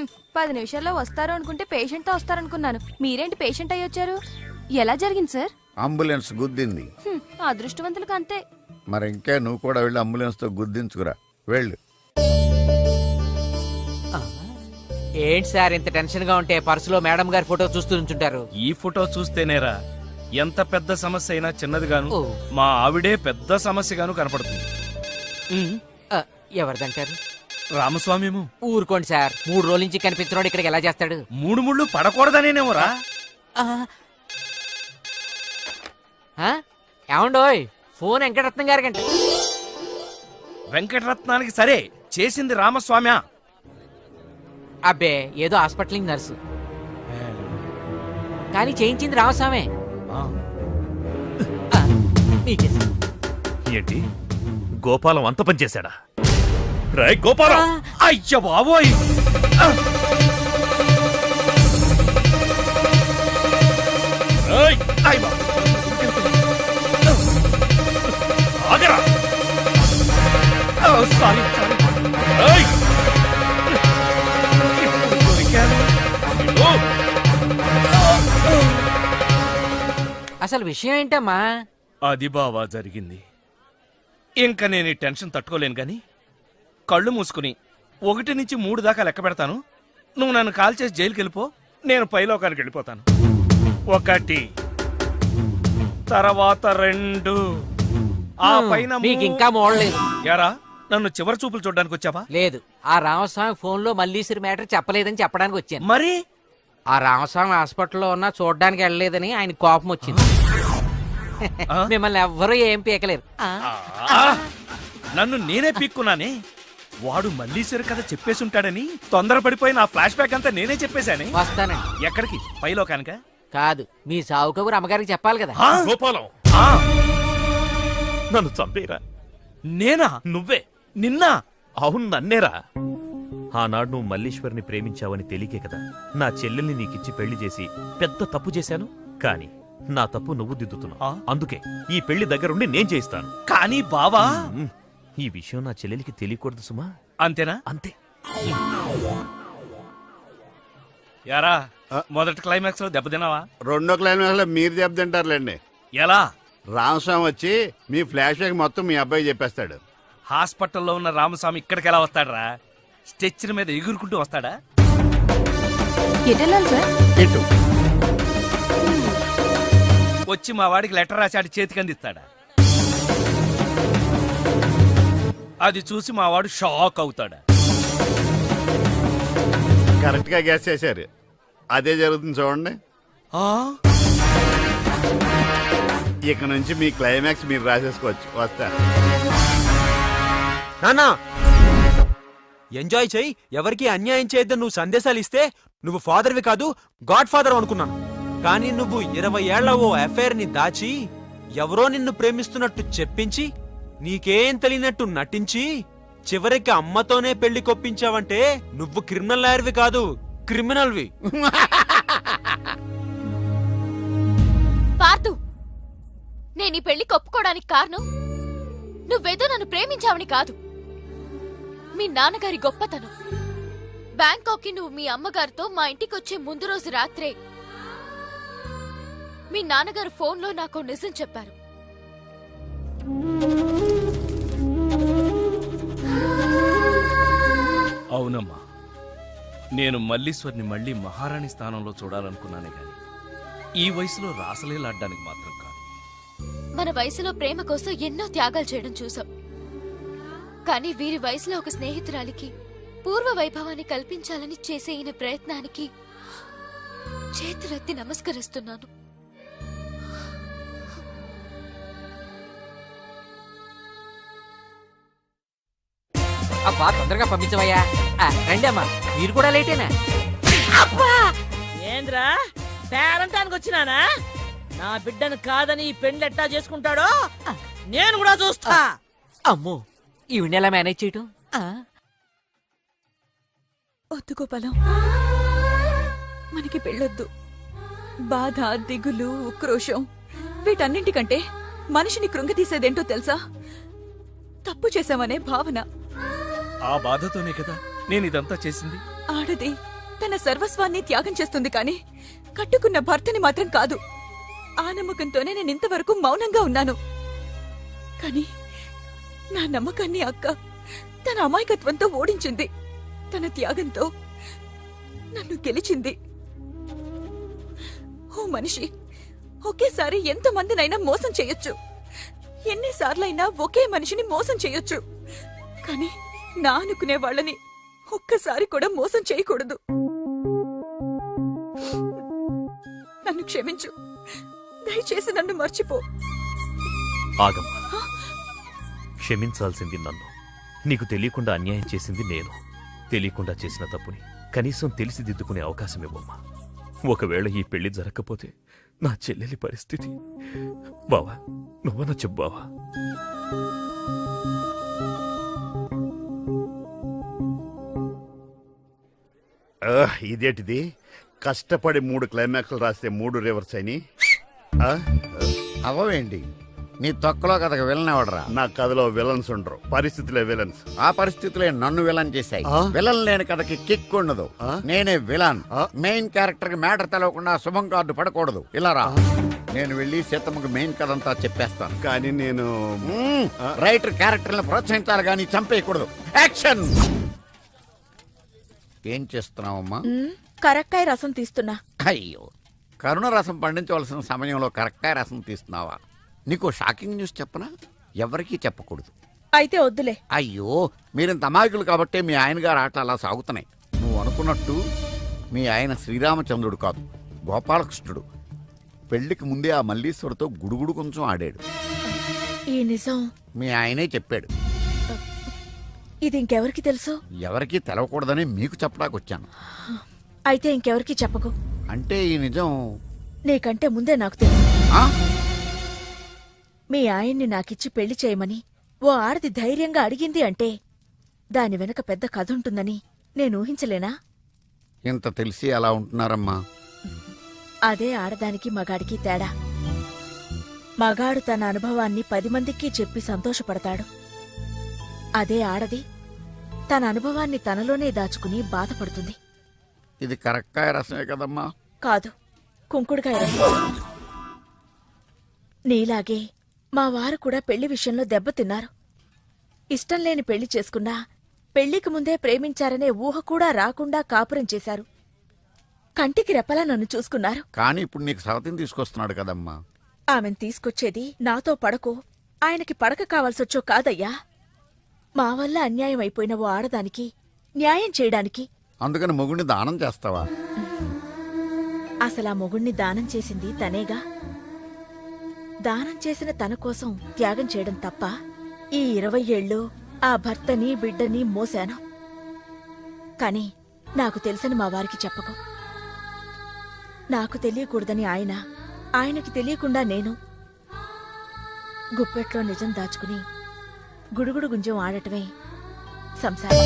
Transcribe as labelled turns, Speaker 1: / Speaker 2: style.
Speaker 1: 10 నిమిషాల్లో వస్తారు అనుకుంటే పేషెంట్ తో వస్తారనుకున్నాను. మీరేంటి పేషెంట్ అయ్యి వచ్చారు? ఎలా జరిగింది సార్?
Speaker 2: అంబులెన్స్ గుద్దింది.
Speaker 1: అదృష్టవంతులకు అంతే.
Speaker 2: మరి ఇంకా నువ్వు కూడా వెళ్ళి అంబులెన్స్ తో గుద్దించుకురా. వెళ్ళు.
Speaker 3: ఏంటి సార్ ఇంత టెన్షన్ గా ఉంటే పర్సులో మేడం గారి ఫోటో చూస్తూ ఉంచుంటారు?
Speaker 4: ఈ ఫోటో చూస్తేనేరా ఎంత పెద్ద సమస్య అయినా చిన్నదిగాను మా ఆవిడే పెద్ద సమస్యగాను కనపడుతుంది.
Speaker 3: ఎవరిదంటారు?
Speaker 4: రామస్వామిము.
Speaker 3: ఊరుకోండి సార్, 3 రోజుల నుంచి కనిపించినోడు ఇక్కడికి ఎలా చేస్తాడు?
Speaker 4: 3 ముళ్ళు పడకూడదనేనేమోరా.
Speaker 3: ఏమండోయ్, ఫోన్ వెంకటరత్నం గారికంటే.
Speaker 4: వెంకటరత్నానికి సరే చేసింది రామస్వామ్యా?
Speaker 3: అబ్బే, ఏదో హాస్పిటల్ నర్సు, కానీ చేయించింది రామస్వామే.
Speaker 5: ఏంటి గోపాలం అంత పని చేశాడా? రాయ్ గోపాలం!
Speaker 4: అయ్య బాబోయ్!
Speaker 5: ఆగరా!
Speaker 4: సారీ.
Speaker 3: అసలు విషయం ఏంటమ్మా?
Speaker 4: అది బావా జరిగింది. ఇంకా నేను ఈ టెన్షన్ తట్టుకోలేను గాని కళ్ళు మూసుకుని 1 నుంచి 3 దాకా లెక్క పెడతాను. నువ్వు నన్ను కాల్ చేసి జైలుకి వెళ్ళిపో, నేను పైలోకానికి వెళ్ళిపోతాను. 1, తర్వాత 2, ఆ పైన
Speaker 3: మీకు ఇంకా మోడలేదు.
Speaker 4: యారా, నన్ను చివరి చూపులు చూడడానికి వచ్చావా?
Speaker 3: లేదు, ఆ రామస్వామి ఫోన్ లో మల్లీశ్వరి మ్యాటర్ చెప్పలేదని చెప్పడానికి వచ్చాను.
Speaker 4: మరి
Speaker 3: ఆ రామస్వామి హాస్పిటల్లో ఉన్నా చూడడానికి వెళ్ళలేదని ఆయన కోపం వచ్చింది. మిమ్మల్ని ఎవ్వరూ ఏం పీకలేరు.
Speaker 4: నన్ను నేనే పీక్కున్నానే. వాడు మల్లీశ్వరి కథ చెప్పేసి ఉంటాడని తొందరపడిపోయి నా ఫ్లాష్ బ్యాక్ అంతా నేనే చెప్పేశానే.
Speaker 3: వస్తానండి.
Speaker 4: ఎక్కడికి? పైలోకానిక?
Speaker 3: కాదు, మీ సావు కబురు అమ్మగారికి చెప్పాలి కదా.
Speaker 5: గోపాలం, నన్ను చంపేరా.
Speaker 4: నేనా?
Speaker 5: నువ్వే.
Speaker 4: నిన్నా?
Speaker 5: అవును, నన్నేరా. ఆనాడు నువ్వు మల్లీశ్వరిని ప్రేమించావని తెలియకే కదా నా చెల్లెల్ని నీకిచ్చి పెళ్లి చేసి పెద్ద తప్పు చేశాను. కాని నా తప్పు నువ్వు దిద్దుతున్నావు. అందుకే ఈ పెళ్లి దగ్గరుండి నేను చేయిస్తాను.
Speaker 4: కానీ బావా,
Speaker 5: ఈ విషయం నా చెల్లెలికి తెలియకూడదు సుమా.
Speaker 4: అంతేనా?
Speaker 5: అంతే.
Speaker 4: యారా, మొదటి క్లైమాక్స్ లో దెబ్బతిన్నావా?
Speaker 2: 2వ క్లైమాక్స్ లో మీరు దెబ్బతింటారులేండి.
Speaker 4: ఎలా?
Speaker 2: రామస్వామి వచ్చి మీ ఫ్లాష్ బ్యాక్ మొత్తం మీ అబ్బాయి చెప్పేస్తాడు.
Speaker 4: హాస్పిటల్లో ఉన్న రామస్వామి ఇక్కడికి ఎలా వస్తాడరా? స్ట్రెచ్చర్ మీద ఎగురుకుంటూ వస్తాడా?
Speaker 1: ఎటెళ్ళాలి సార్?
Speaker 2: ఇటు
Speaker 4: వచ్చి మా వాడికి లెటర్ రాసి చేతికి అందిస్తాడా? అది చూసి మా వాడు షాక్ అవుతాడా?
Speaker 2: కరెక్ట్ గా గెస్ చేశారు. అదే జరుగుతుంది చూడండి. ఇక నుంచి మీ క్లైమాక్స్ మీరు రాసేసుకోవచ్చు. వస్తా.
Speaker 6: నానా, ఎంజాయ్ చెయ్యి, ఎవరికి అన్యాయం చేయొద్దని నువ్వు సందేశాలు ఇస్తే నువ్వు ఫాదర్వి కాదు, గాడ్ ఫాదర్ అనుకున్నాను. కానీ నువ్వు 20 ఏళ్ల ఓ అఫైర్ ని దాచి ఎవరో నిన్ను ప్రేమిస్తున్నట్టు చెప్పించి నీకేం తెలియనట్టు నటించి చివరికి అమ్మతోనే పెళ్లి కొప్పించావంటే నువ్వు క్రిమినల్ లాయర్వి కాదు, క్రిమినల్వి.
Speaker 7: పార్థు, నేను ఈ పెళ్లి ఒప్పుకోవడానికి కారణం నువ్వేదో నన్ను ప్రేమించావని కాదు, మీ నాన్నగారి గొప్పతనం. బ్యాంకాక్ కి నువ్వు మీ అమ్మగారితో మా ఇంటికి వచ్చే ముందు రోజు రాత్రే మీ నాన్నగారు ఫోన్లో నాకు నిజం చెప్పారు.
Speaker 4: అవునమ్మా, నేను మల్లీశ్వరిని మళ్ళీ మహారాణి స్థానంలో చూడాలనుకున్నానే గాని ఈ వయసులో రాసలేలాడ్డానికి మాత్రం కాదు.
Speaker 7: మన వయసులో ప్రేమ కోసం ఎన్నో త్యాగాలు చేయడం చూసాం. కానీ వీరి వయసులో ఒక స్నేహితురాలికి పూర్వ వైభవాన్ని కల్పించాలని చేసే ఈయన ప్రయత్నానికి చేతులెత్తి నమస్కరిస్తున్నాను.
Speaker 3: అబ్బా, తొందరగా పంపించవయ్యా. రండి అమ్మా, మీరు కూడా లేటేనా?
Speaker 8: ఏంద్రా, పేరంటానికి వచ్చినానా? నా బిడ్డను కాదని ఈ పెండ్లు ఎట్టా చేసుకుంటాడో నేను కూడా చూస్తా.
Speaker 3: అమ్మో, ఈవిడ ఎలా మేనేజ్ చేయటం?
Speaker 1: వద్దు గోపాలం, మనకి పెళ్ళొద్దు. బాధ, దిగులు, ఉక్రోషం వీటన్నింటికంటే మనిషిని కృంగతీసేదేంటో తెలుసా? తప్పు చేశామనే భావన.
Speaker 4: ఆ బాధతోనే కదా నేను ఇదంతా చేసింది.
Speaker 1: ఆడది తన సర్వస్వాన్ని త్యాగం చేస్తుంది కానీ కట్టుకున్న భర్తని మాత్రం కాదు. ఆ నమ్మకంతోనే నేను ఇంతవరకు మౌనంగా ఉన్నాను. కానీ నా నమ్మకాన్ని అక్క తన అమాయకత్వంతో ఓడించింది. తన త్యాగంతో నన్ను గెలిచింది. ఓ మనిషి ఒకేసారి ఎంతమందినైనా మోసం చేయొచ్చు, ఎన్నిసార్లైనా ఒకే మనిషిని మోసం చేయొచ్చు. కానీ నా అనుకునే వాళ్ళని ఒక్కసారి కూడా మోసం చేయకూడదు. నన్ను క్షమించు, దయచేసి నన్ను మర్చిపో.
Speaker 5: ఆగమ్మా, క్షమించాల్సింది నన్ను. నీకు తెలియకుండా అన్యాయం చేసింది నేను. తెలియకుండా చేసిన తప్పుని కనీసం తెలిసి దిద్దుకునే అవకాశం ఇవ్వమ్మా. ఒకవేళ ఈ పెళ్లి జరగకపోతే నా చెల్లెలి పరిస్థితి. బావా, నువ్వన్నా చెప్పు బావా.
Speaker 2: ఇదేంటిది? కష్టపడి 3 క్లైమాక్స్లు రాస్తే 3 రివర్స్ అని.
Speaker 9: అవవేంటి నీ తొక్కలో కథకు విలనవడరా?
Speaker 2: నా కథలో విలన్స్ ఉండరు, పరిస్థితులే విలన్స్.
Speaker 9: ఆ పరిస్థితులే నన్ను విలన్ చేశాయి.
Speaker 2: ఆ?
Speaker 9: విలన్ లేని కథకి కిక్ ఉండదు.
Speaker 2: ఆ?
Speaker 9: నేనే విలన్.
Speaker 2: ఆ?
Speaker 9: మెయిన్ క్యారెక్టర్ కి మ్యాటర్ తెలవకుండా శుభం కార్డు పడకూడదు. ఇలా రా, నేను వెళ్ళి సీతమ్మకి మెయిన్ కథ అంతా చెప్పేస్తాను.
Speaker 2: కానీ నేను
Speaker 9: రైటర్ క్యారెక్టర్ని ప్రోత్సహించాలి కానీ చంపేయకూడదు. యాక్షన్! ఏం చేస్తున్నావమ్మా?
Speaker 1: కరక్కాయ రసం తీస్తున్నా.
Speaker 9: అయ్యో, కరుణ రసం పండించవలసిన సమయంలో కరెక్టా రసం తీస్తున్నావా? నీకు షాకింగ్ న్యూస్ చెప్పనా? ఎవరికీ చెప్పకూడదు.
Speaker 1: అయితే వద్దులే.
Speaker 9: అయ్యో, మీరింత అమాయకులు కాబట్టే మీ ఆయన గారు ఆటలు అలా సాగుతున్నాయి. నువ్వు అనుకున్నట్టు మీ ఆయన శ్రీరామచంద్రుడు కాదు, గోపాలకృష్ణుడు. పెళ్లికి ముందే ఆ మల్లీశ్వరితో గుడుగుడు కొంచెం ఆడాడు.
Speaker 1: ఈ నిజం
Speaker 9: మీ ఆయనే చెప్పాడు.
Speaker 1: ఇది ఇంకెవరికి తెలుసు?
Speaker 9: ఎవరికీ తెలవకూడదని మీకు చెప్పడానికి వచ్చాను.
Speaker 1: అయితే ఇంకెవరికి చెప్పకు.
Speaker 9: అంటే ఈ నిజం
Speaker 1: నీకంటే ముందే నాకు తెలుసు.
Speaker 9: ఆ?
Speaker 1: మీ ఆయన్ని నాకిచ్చి పెళ్లి చేయమని ఓ ఆడది ధైర్యంగా అడిగింది అంటే దాని వెనక పెద్ద కథ ఉంటుందని నేను ఊహించలేనా?
Speaker 9: ఇంత తెలిసి అలా ఉంటున్నారమ్మా.
Speaker 1: అదే ఆడదానికి మగాడికి తేడా. మగాడు తన అనుభవాన్ని 10 మందికి చెప్పి సంతోషపడతాడు. అదే ఆడది తన అనుభవాన్ని తనలోనే దాచుకుని బాధపడుతుంది.
Speaker 9: ఇది కరక్కాయ రసమే కదమ్మా?
Speaker 1: కాదు, కుంకుడుకాయ రసం. నీలాగే మా వారు కూడా పెళ్లి విషయంలో దెబ్బతిన్నారు. ఇష్టం లేని పెళ్లి చేసుకున్నా పెళ్లికి ముందే ప్రేమించారనే ఊహ కూడా రాకుండా కాపురం చేశారు. కంటికి రెప్పలా నన్ను చూసుకున్నారు.
Speaker 9: కానీ ఇప్పుడు నీకు సవతిని తీసుకొస్తున్నాడు కదమ్మా.
Speaker 1: ఆమెను తీసుకొచ్చేది నాతో పడకో ఆయనకి పడక కావాల్సొచ్చో కాదయ్యా. మా వల్ల అన్యాయం అయిపోయిన ఓ ఆడదానికి న్యాయం చేయడానికి.
Speaker 9: అందుకని మొగుడిని దానం చేస్తావా?
Speaker 1: అసలా మొగుణ్ణి దానం చేసింది తనేగా. దానం చేసిన తన కోసం త్యాగం చేయడం తప్ప ఈ 20 ఏళ్ళు ఆ భర్తని బిడ్డని మోశాను. కాని నాకు తెలుసని మా వారికి చెప్పకు. నాకు తెలియకూడదని ఆయన, ఆయనకి తెలియకుండా నేను గుప్పెట్లో నిజం దాచుకుని గుడుగుడు గుంజం ఆడటమే సంసారం.